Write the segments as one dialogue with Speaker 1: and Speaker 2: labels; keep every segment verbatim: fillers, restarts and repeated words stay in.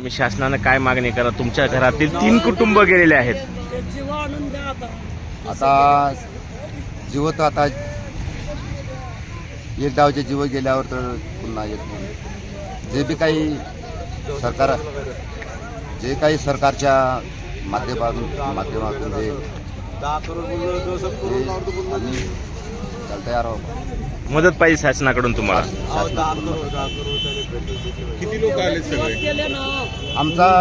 Speaker 1: तुम्ही शासनानं काय मागणी करा? तुमच्या घरातील तीन कुटुंब गेलेले आहेत.
Speaker 2: आता जीव तर आता एक डावचे जीव गेल्यावर तर पुन्हा येत नाही. जे बी काही सरकार जे काही सरकारच्या माध्यमातून माध्यमातून जे आम्ही त्याला तयार आहोत.
Speaker 1: मदत पाहिजे शासनाकडून तुम्हाला.
Speaker 3: किती लोक आले सगळे?
Speaker 2: आमचा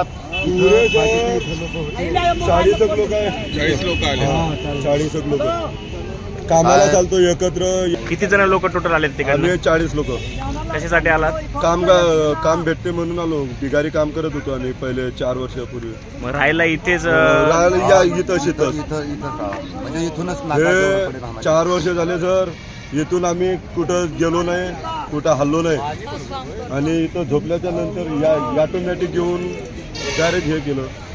Speaker 3: चाळीस लोक आहे. चाळीस लोक आले. चाळीस लोक कामाला चालतो एकत्र.
Speaker 1: किती जण लोक टोटल आलेत तिकडे?
Speaker 3: आम्ही चाळीस लोक.
Speaker 1: कशासाठी आलात?
Speaker 3: काम काम भेटते म्हणून आलो. बिगारी काम करत होतो आम्ही पहिले चार वर्षापूर्वी.
Speaker 1: मग राहायला इथेच
Speaker 3: राहायला या इथं शेतच.
Speaker 2: इथं इथं म्हणजे इथूनच
Speaker 3: हे चार वर्ष झाले सर. इथून आम्ही कुठं गेलो नाही, कुठं हल्लो नाही. आणि इथं झोपल्याच्या नंतर या ऑटोमॅटिक घेऊन डायरेक्ट हे केलं.